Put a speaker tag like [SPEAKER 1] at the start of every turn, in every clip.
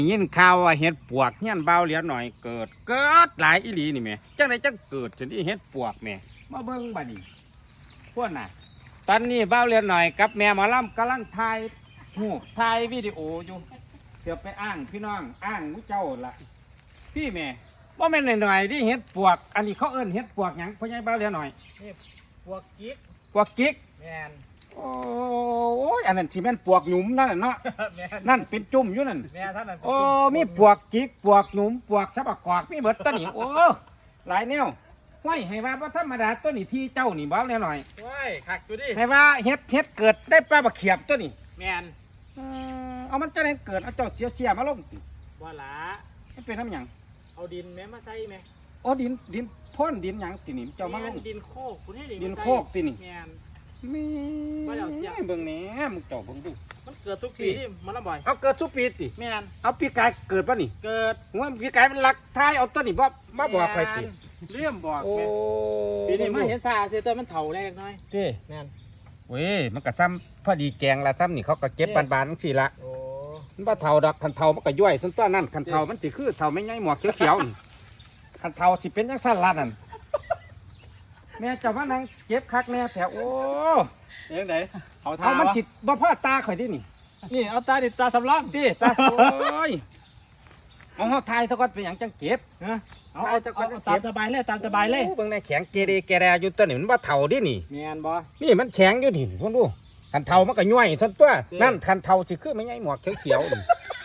[SPEAKER 1] ยินข่าวว่าเห็ดปวกเฮียนเบาเหลียหน่อยเกิดหลายอีหลีนี่แม่จังไดจังเกิดจนที่เห็ดปวกแม่มาเบิ่งบัดนี้พวกน่ะตอนนี้เบาเหลียหน่อยกับแม่หมอลำกำลังถ่ายวิดีโออยู่เดี๋ยวไปอ้างพี่น้องอ้างมุเจ้าล่ะพี่แม่ว่าแม่นหน่อยๆที่เห็ดปวกอันนี้เขาเอิ้นเห็ดปวกหยังพ่อใหญ่เบาเหลียหน่อย
[SPEAKER 2] นี่ปวกกิ๊ก
[SPEAKER 1] ปวกกิ๊ก
[SPEAKER 2] แมน
[SPEAKER 1] โอ้ยอันนั้นสิแม่นปวกหนุ่มนั่นน่ะเนาะ นั่นเป็นจุ่มอยู่นั่น
[SPEAKER 2] แม่ท่านนั้น
[SPEAKER 1] โอ้มีปวกกิ๊กปวกหนุ่มปวกสับปะกอกมีเบิดตัวนี้โอ้หลายแนวห้วยให้ว่าบ่ธรรมดาตัวนี้ที่เจ้านี่เบาแน่หน่อย
[SPEAKER 2] ว้ายคักอยู่ดิ
[SPEAKER 1] ให้ว่าเฮ็ดเกิดได้ปลาบักเขียบตัวนี้
[SPEAKER 2] แมน
[SPEAKER 1] เอามันจะได้เกิดเอาเจ้าเสียมาลงติ
[SPEAKER 2] บ่หลา
[SPEAKER 1] มันเป็นน้ำหยัง
[SPEAKER 2] เอาดินแม่มาใส่แม่
[SPEAKER 1] โอ้ดินพ่นดินหยังตินี่เจ้ามาลง
[SPEAKER 2] ดินโคกคุณให้
[SPEAKER 1] ดินโคกตินี่
[SPEAKER 2] แมน
[SPEAKER 1] มีเบิ่งแหน่มึงเจ้าเบิ่งดู
[SPEAKER 2] มันเกิดทุกปีนี่มันละบ่อย
[SPEAKER 1] เอาเกิดทุกปีติ
[SPEAKER 2] แมน
[SPEAKER 1] เอาปีกายเกิดป่ะนี่
[SPEAKER 2] เกิด
[SPEAKER 1] หัวปีกายมันหลักท้ายเอาตัวนี้บ่มาบอกใครติ
[SPEAKER 2] เรื่องบอก
[SPEAKER 1] โอ้
[SPEAKER 2] ปีนี้มาเห็นซาเสียตัวมันเฒ่าแรกน้อย
[SPEAKER 1] เจ้
[SPEAKER 2] แมน
[SPEAKER 1] เว้ยมันก็ซ้ำพอดีแกงละซ้ำนี่เขาก็เก็บบานๆสิละ
[SPEAKER 2] โอ้
[SPEAKER 1] มันบ่เฒ่าดอกคันเฒ่ามันก็ย่อยส่วนตัวนั่นคันเฒ่ามันสิคือเฒ่าไม่ใหญ่หมวกเขียวๆนี่คันเฒ่าสิเป็นจังซั่นล่ะนั่นแม่เจ้ามานั่งเก็บคักแม่แถวโอ้
[SPEAKER 2] ยังไง
[SPEAKER 1] เอามันสิบ่พอตาข่อยดินี่
[SPEAKER 2] เอาตาดิตาสำรอง
[SPEAKER 1] ติตาโอ้ยเอาเฮาทายซะก่อนเป็นหยังจังเก็บ
[SPEAKER 2] เอาตามสบายเลยตามสบายเลย
[SPEAKER 1] เบิ่งในแข็งเกเรแกแรอยู่ตัวนี้มันบ่เฒ่าดินี่
[SPEAKER 2] แม่นบ่
[SPEAKER 1] นี่มันแข็งอยู่ดิเพิ่นดูคันเฒ่ามันก็ย่อยซั่นตัวนั่นคันเฒ่าสิคือไม่ใหญ่หมวกเขียวๆนี่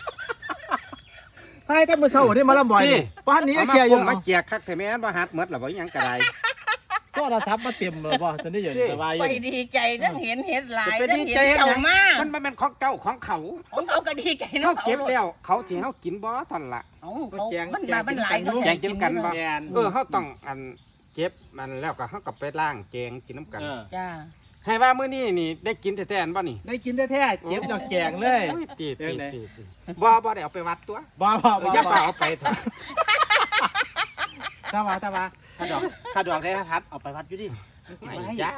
[SPEAKER 2] ใช่แต่มื้อเช้านี่มาลำบ่อยป้านนี้เกียร์อยู่
[SPEAKER 1] มาแจกคักแท้แม่นบ่หัดหมดล่ะบ่หยังก็ได้
[SPEAKER 2] โทรศัพท์มาเต็มเลยบ่ตอนนี้อยู่สบายอยู่
[SPEAKER 3] ไปดีใจทั้งเห็นเห็ดหลายทั้งเห็นเจ้ามาก
[SPEAKER 1] มันบ่แม่นของเจ้าของเขา
[SPEAKER 3] ก็ดีใจ
[SPEAKER 1] เนาะเก็บแล้วเขาสิเฮากินบ่ท่านล่ะ
[SPEAKER 3] มันหลาย
[SPEAKER 1] แจงกินกันบ่เฮาต้องอันเก็บมันแล้วก็เฮาก็ไปล้างแจงกินน้ำกัน
[SPEAKER 3] จ้า
[SPEAKER 1] ให้ว่ามื้อนี้นี่ได้กินแท้ๆอันบ่นี่
[SPEAKER 2] ได้กินแท้ๆเก็บดอกแจงเลย
[SPEAKER 1] ตีบ่ได้เอาไปวัดตัว
[SPEAKER 2] บ่
[SPEAKER 1] อย่าเอาไปเถอะ
[SPEAKER 2] ถ้าดอกได้ทัดเอาไปวัดอยู่ดิ
[SPEAKER 1] ไม่จ้า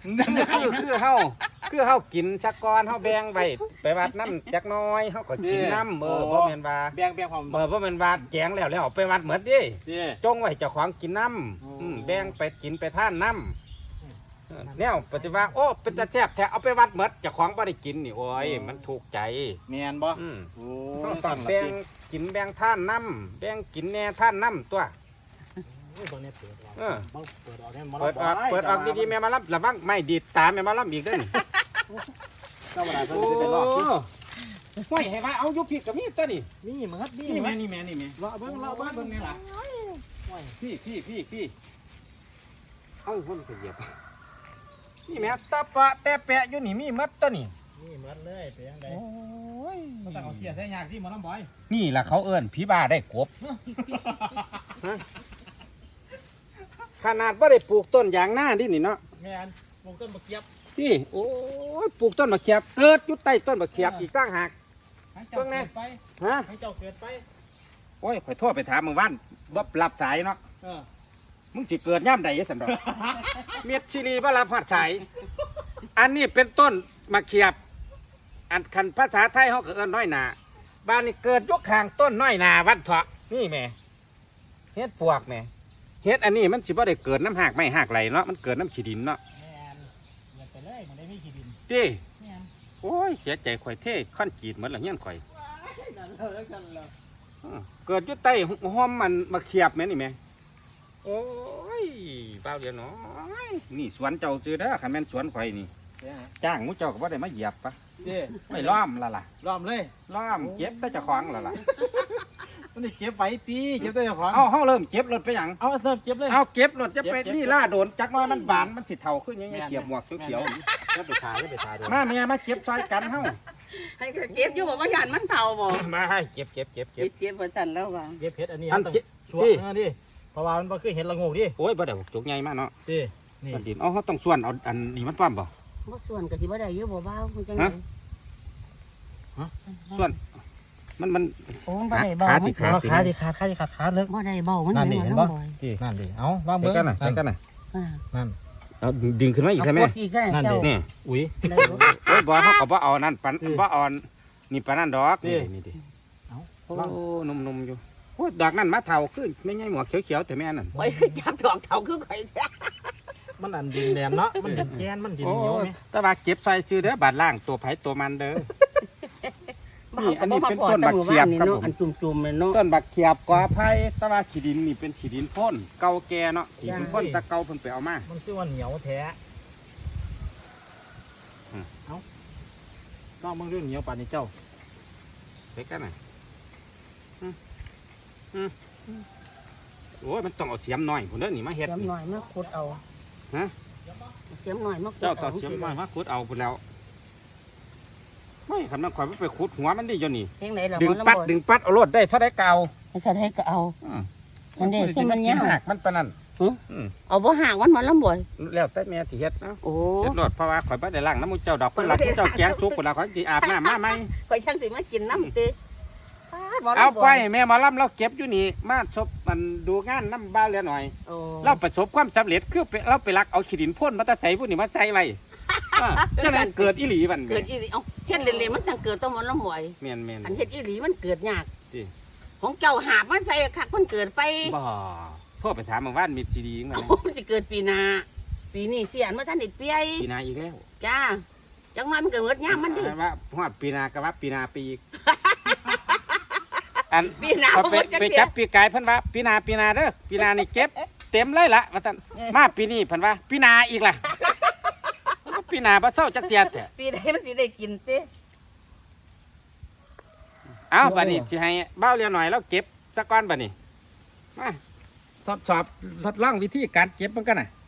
[SPEAKER 1] คือเฮากินชักก้อนเฮาแบ่งไว้ไปวัดน้ำจักน้อยเฮาก็กินน้ำบ่แม่นว่า
[SPEAKER 2] แบ่งความ
[SPEAKER 1] บ่แม่นว่าแจงแล้วเอาไปวัดหมดดิจงไว้เจ้าของกินน้ำแบ่งไปกินไปทานน้ำแนวปฏิว่าโอ้เป็นตาแซ่บแท้เอาไปวัดหมดเจ้าของบ่ได้กินนี่โอ้ยมันถูกใจ
[SPEAKER 2] แม่นบ่
[SPEAKER 1] ต้องแบ่งกินแบ่งทานน้ำแบ่งกินแน่ทานน้ำตัวเปิดออกดีๆแม่มารับระวังไม่ดีตาแม่มารับอีกด้วยโอ้ห้วยให้ว่าเอายุบผิดกับมีตัวนี่
[SPEAKER 2] นี่เหมือน
[SPEAKER 1] นี่แม่รอเบิ้งนี่ล่ะพี่เอาคนไปเหยียบนี่แม่ตะปะแต่แปะอยู่นี่มีมัดตัวนี่
[SPEAKER 2] มัดเลยไปยังไงโอ้ยมันต้องเอาเสียใส่ยากที่หมอลำบอย
[SPEAKER 1] นี่ล่ะเขาเอิ้นผีบ้าได้กบขนาดว่าได้ปลูกต้นยางหน้าดินี่เนาะ
[SPEAKER 2] แม่นปลูกต้นมะเขือ
[SPEAKER 1] ที่โอ้ยปลูกต้นมะเขือเกิดอยู่ใต้ต้นมะเขืออีกตั้งหาก
[SPEAKER 2] เพิ่งไง
[SPEAKER 1] ฮะ
[SPEAKER 2] ให้เจ้าเกิดไป
[SPEAKER 1] โอ้ยข่อยโทษไปถามมึงว่านบ่รับสายเนาะมึงสิเกิดย่ำใดสันดอกเมียดชิลีบ่รับหัดสายอันนี้เป็นต้นมะเขืออันคันภาษาไทยเขาเอิ้นน้อยนาบ้านนี้เกิดยกข้างต้นน้อยนาวัดเถาะนี่แม่เฮ็ดปวกแม่เฮ็ดอันนี้มันสิบ่ได้เกิดน้ำหากไม่หากไหลเนาะมันเกิดน้ำขี้ดินเนาะ
[SPEAKER 2] อย่าไปเลยมันได้ไม่ขี้ดิน
[SPEAKER 1] ดิโอ้ยเสียใจข่อยเท่ค่อนจีดเหมือนหลังเงี้ยข่อยเกิดอยู่ใต้ห้อมมันมาเขียบแม่นี่แม่โอ้ยเบาเดียวน้อยนี่สวนเจ้าซื้อเด้อคันแม่นสวนข่อยนี่จ้างมุเจ้าก็บ่ได้มาเหยียบปะไม่ล้อมละล่ะ
[SPEAKER 2] ล้อมเลย
[SPEAKER 1] ล้อมเก็บแต่เจ้าของละล่ะ
[SPEAKER 2] มันเก็บไว้ตีเก็บได้เจ้าของ
[SPEAKER 1] เฮาเริ่มเก็บรถไปหยัง
[SPEAKER 2] เอาเริ่มเก็บเลย
[SPEAKER 1] เอาเก็บรถจะไปนี่ล่าโดนจักน้อยมันบานมันสิเท่าขึ้นยังไงเก็บหมวกเขียวๆ
[SPEAKER 2] แล้วไปทา
[SPEAKER 1] มาเมียมาเก็บซอยกันเฮา
[SPEAKER 3] ให้เก็บอยู่บอกว่าหยาดมันเท่าบ่
[SPEAKER 1] มาให้เก็บ
[SPEAKER 3] บ่ทันแล้วว่า
[SPEAKER 2] เก็บเพชรอันนี้ต้องสวนดิเพราะว่ามันบ่คือเห็ดละงูดิ
[SPEAKER 1] โอ้ยบ่ได้จุกใหญ่มากเนาะ
[SPEAKER 2] นี่
[SPEAKER 1] ดินเฮาต้องส่วนเอาอันนี้มันป้อมบ่
[SPEAKER 3] ส่วนก็สิบ่ได้อยู่บ่เบาจังได๋
[SPEAKER 1] ส่วนมัน
[SPEAKER 3] โอ้บ่ได้เบา
[SPEAKER 1] ขา
[SPEAKER 2] เลิก
[SPEAKER 3] บ่ได้เบามัน
[SPEAKER 2] นั่นดิเห็นบ่นั่นดิเอาวางเบิ่ง
[SPEAKER 1] กันน่ะ
[SPEAKER 2] นั่น
[SPEAKER 1] เอาดึงขึ้นมาอีกใช่มั้ย
[SPEAKER 3] นั่นดิ
[SPEAKER 1] นี่
[SPEAKER 2] อุ้ย
[SPEAKER 1] โอ้ยบ่เฮาก็บ่เอานั่นปันบ่อ่อนนี่ปานนั้นดอกนี่ดิ
[SPEAKER 2] เอา
[SPEAKER 1] โอ้หนุ่มๆอยู่โอ้ดอกนั่นมาเฒ่าขึ้นไม่ใช่หมวกเขียวๆแต่แม่นั่น
[SPEAKER 3] ข่อยจับดอกเฒ่าคือข่อยแท้
[SPEAKER 2] มันอันดินแดนเนาะมันดินแกนมันดิน
[SPEAKER 1] โอ้
[SPEAKER 2] เหนียวไหม
[SPEAKER 1] แต่ว่าเก็บใส่ชื่อเด้อบาดล่างตัวไผตัวมันเด้อ นี่อันนี้เป็นต้นบักเขียบครับผม
[SPEAKER 3] อันจุ่มๆเลยเนาะ
[SPEAKER 1] ต้นบักเขียบกอไผ่แต่ว่าขี้ดินนี่เป็นขี้ดินพ่นเก่าแก่เนาะขี้ดินพ่นตะเก่าเพิ่นไปเอามา
[SPEAKER 2] มันชื่อว่าเหนียวแท้ต้องมึงเรื่องเหนียวป่านนี้เจ้า
[SPEAKER 1] ไปกันน่ะโอ้ยมันต้องเอาเสียมหน่อยพุ่นเด้อนี่มาเฮ็ด
[SPEAKER 3] เสียม
[SPEAKER 1] นี่
[SPEAKER 3] หน่อยมาขุดเอา
[SPEAKER 1] ฮะ
[SPEAKER 3] เสียมหน่อยมาขุด
[SPEAKER 1] เจ้า
[SPEAKER 3] เอา
[SPEAKER 1] ก็เสียมหน่อยมาขุดเอาพุ่นแล้วไม่คันมันข่อยไปขุดหัวมันดิอยู่นี่
[SPEAKER 3] เพียงไหนล่ะ
[SPEAKER 1] ดึงปัดเอารถได้เท่าได้เก่า
[SPEAKER 3] ให้ถ้าได้ก็เอา อันนี้ที่มันยาว
[SPEAKER 1] หักมันปานนั้น
[SPEAKER 3] เอาบ่ห่างมันมาลำบ่อย
[SPEAKER 1] แล้วแต่แม่สิเฮ็ดเนาะ
[SPEAKER 3] โอ้
[SPEAKER 1] เฮ็ดรถเพราะว่าข่อยบ่ได้ล้างน้ำมูกเจ้าดอกเพิ่นรักเจ้าแกงสุกพุ่นละข่อยสิอาบน้ำมาใหม่
[SPEAKER 3] ข่อยช่างสิมากินน้ำติบ่
[SPEAKER 1] เอา
[SPEAKER 3] ลำบ่
[SPEAKER 1] ไป
[SPEAKER 3] อย
[SPEAKER 1] แม่หมาล่ำเราเก็บอยู่นี่มาชบมันดูงานน้ำบ้านแล้วหน่อย
[SPEAKER 3] โอ้
[SPEAKER 1] เราประสบความสำเร็จคือเราไปลักเอาขี้ดินพ่นมาตะใจผู้นี่มาใจไว้จังนั้นเกิดอีหลีบัน
[SPEAKER 3] เกิดอีหลีเอ้าเฮ็ดเล่นๆมันจังเกิดต้องมาลำบ่อย
[SPEAKER 1] เมียนเมียน
[SPEAKER 3] อันเฮ็ดอีหลีมันเกิดยาก
[SPEAKER 1] ติ
[SPEAKER 3] ของเจ้าหาบมันใส่คักมันเกิดไป
[SPEAKER 1] บ่โทษไปถามหมาว่านมีซีดีมั้ย
[SPEAKER 3] โอ้มันสิเกิดปีหน้าปีนี้เสียนบ่ทันได้เปีย
[SPEAKER 1] ปีนาอีกแล้ว
[SPEAKER 3] จ้าจังน้อยมันก็เกิดยามมันดิ
[SPEAKER 1] ว่าฮอดปีนาก็ว่าปีนาปีอีกอัน
[SPEAKER 3] ปีหน้า
[SPEAKER 1] เอา
[SPEAKER 3] บ่
[SPEAKER 1] ไป
[SPEAKER 3] หมดจัก
[SPEAKER 1] ไป
[SPEAKER 3] เที่
[SPEAKER 1] จั
[SPEAKER 3] ย
[SPEAKER 1] บปีกายเพิ่นว่าปีนาเด้อปีนานี่เก็บเต็มเลยล่ะว่าซั่นมาปีนี้เพิ่นว่าปีนาอีกล่ะปีนาบ่เซาจักเที่ยแท้
[SPEAKER 3] ปีใดมันสิได้กินติ
[SPEAKER 1] เอาบัดนี้สิให้เบ้าเรียนหน่อยแล้วเก็บสักก้อนบัดนี้มาทดสอบทดลองวิธีการเก็บมันกันน่ะ